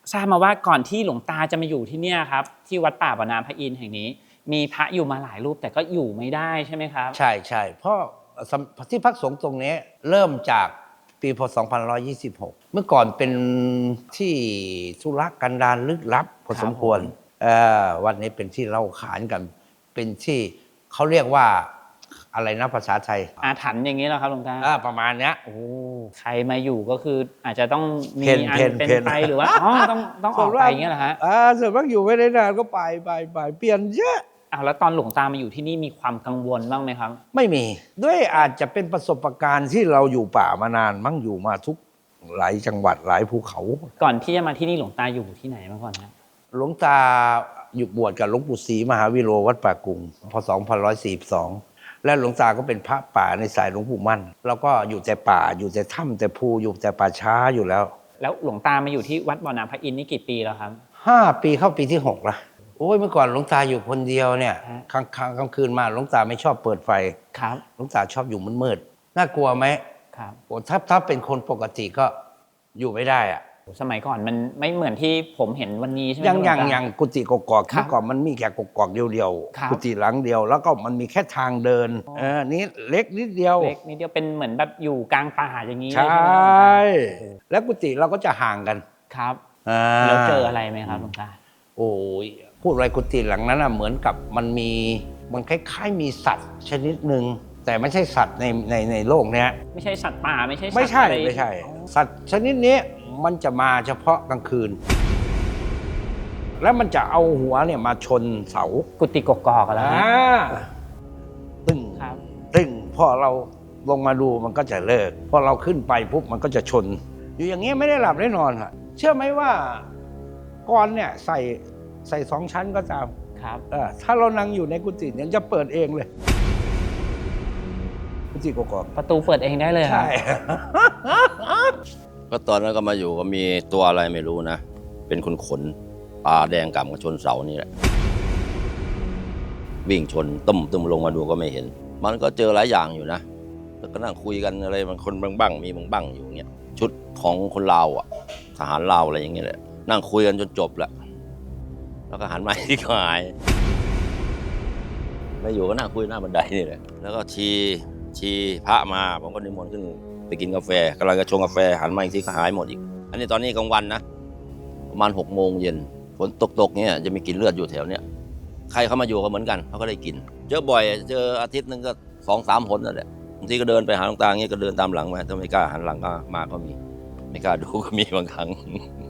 ทราบมาว่าก่อนที่หลวงตาจะมาอยู่ที่เนี่ยครับที่วัดป่าบ่อน้ำพระอินทร์แห่งนี้ มีพระอยู่มาหลายรูปแต่ก็อยู่ไม่ได้ใช่ไหมครับใช่ใช่เพราะที่พักสงฆ์ตรงนี้เริ่มจากปีพศ 2526 เมื่อก่อนเป็นที่ธุรกันดารลึกลับพอสมควรวันนี้เป็นที่เล่าขานกัน เป็นที่เขาเรียกว่าอะไรนะภาษาไทยอาถรรพ์อย่างนี้เหรอครับหลวงตาประมาณเนี้ยโอ้ใครมาอยู่ก็คืออาจจะต้องมีอันเป็นไปหรือว่าต้องออกไปอย่างเงี้ยเหรอฮะส่วนมากอยู่ไม่ได้นานก็ไปเปลี่ยนเยอะแล้วตอนหลวงตามาอยู่ที่นี่มีความกังวลบ้างไหมครับไม่มีด้วยอาจจะเป็นประสบการณ์ที่เราอยู่ป่ามานานมั่งอยู่มาทุกหลายจังหวัดหลายภูเขาก่อนที่จะมาที่นี่หลวงตาอยู่ที่ไหนมาก่อนครับหลวงตาอยู่บวชกับหลวงปู่ศรีมหาวิโรวัดป่ากุงพศ 2542และหลวงตาก็เป็นพระป่าในสายหลวงปู่มั่นแล้วก็อยู่แต่ป่าอยู่แต่ถ้ำแต่ภูอยู่แต่ป่าช้าอยู่แล้วหลวงตามาอยู่ที่วัดบ่อน้ำพระอินทร์นี่กี่ปีแล้วครับ 5 ปีเข้าปีที่6ละโอ้ยเมื่อก่อนหลวงตาอยู่คนเดียวเนี่ยกลางคืนมาหลวงตาไม่ชอบเปิดไฟครับหลวงตาชอบอยู่มืดๆน่ากลัวไหมครับโอ้ถ้าเป็นคนปกติก็อยู่ไม่ได้อะสมัยก่อนมันไม่เหมือนที่ผมเห็นวันนี้ใช่ไหมยังกุฏิกอกเมื่อก่อนมันมีแค่กอกเดียวกุฏิหลังเดียวแล้วก็มันมีแค่ทางเดินนี้เล็กนิดเดียวเป็นเหมืนแบบอยู่กลางป่าอย่างนี้ใช่แล้วกุฏิเราก็จะห่างกันครับแล้วเจออะไรไหมครับหลวงตาโอ้ยพูดอะไรกุฏิหลังนั้นเหมือนกับมันคล้ายๆมีสัตว์ชนิดหนึ่งแต่ไม่ใช่สัตว์ในโลกเนี้ยไม่ใช่สัตว์ป่าไม่ใช่สัตว์ชนิดนี้มันจะมาเฉพาะกลางคืนแล้วมันจะเอาหัวเนี่ยมาชนเสากุฏิกอกๆแล้วตึ้งพอเราลงมาดูมันก็จะเลิกพอเราขึ้นไปปุ๊บมันก็จะชนอยู่อย่างนี้ไม่ได้หลับได้นอนค่ะเชื่อไหมว่ากรเนี่ยใส่2 ชั้นก็ตามครับถ้าเรานั่งอยู่ในกุฏิเนี่ยจะเปิดเองเลยกุฏิกอกประตูเปิดเองได้เลยใช่ก็ตอนนั้นก็มาอยู่ก็มีตัวอะไรไม่รู้นะเป็นขนตาแดงกำกับชนเสานี่แหละวิ่งชนตึ้มลงมาดูก็ไม่เห็นมันก็เจอหลายอย่างอยู่นะแล้วก็นั่งคุยกันอะไรบางคนบ้างมีบ้างอยู่เงี้ยชุดของคนลาวอ่ะทหารลาวอะไรอย่างเงี้ยแหละนั่งคุยกันจนจบแหละแล้วก็หันมาที่หายไม่อยู่ก็นั่งคุยหน้าบันไดนี่แหละแล้วก็ชีพระมาผมก็นิมนต์ขึ้นไปกินกาแฟกำลังจะชงกาแฟหันมาอีกทีก็หายหมดอีกอันนี้ตอนนี้กลางวันนะประมาณ6 โมงเย็นฝนตกเนี่ยจะมีกลิ่นเลือดอยู่แถวเนี้ยใครเข้ามาอยู่ก็เหมือนกันเขาก็ได้กลิ่นเจอบ่อยเจออาทิตย์นึงก็2-3 หนนั่นแหละบางทีก็เดินไปหาหลวงตาเงี้ยก็เดินตามหลังมาถ้าไม่กล้าหันหลังก็มาก็มีไม่กล้าดูก็มีบางครั้ง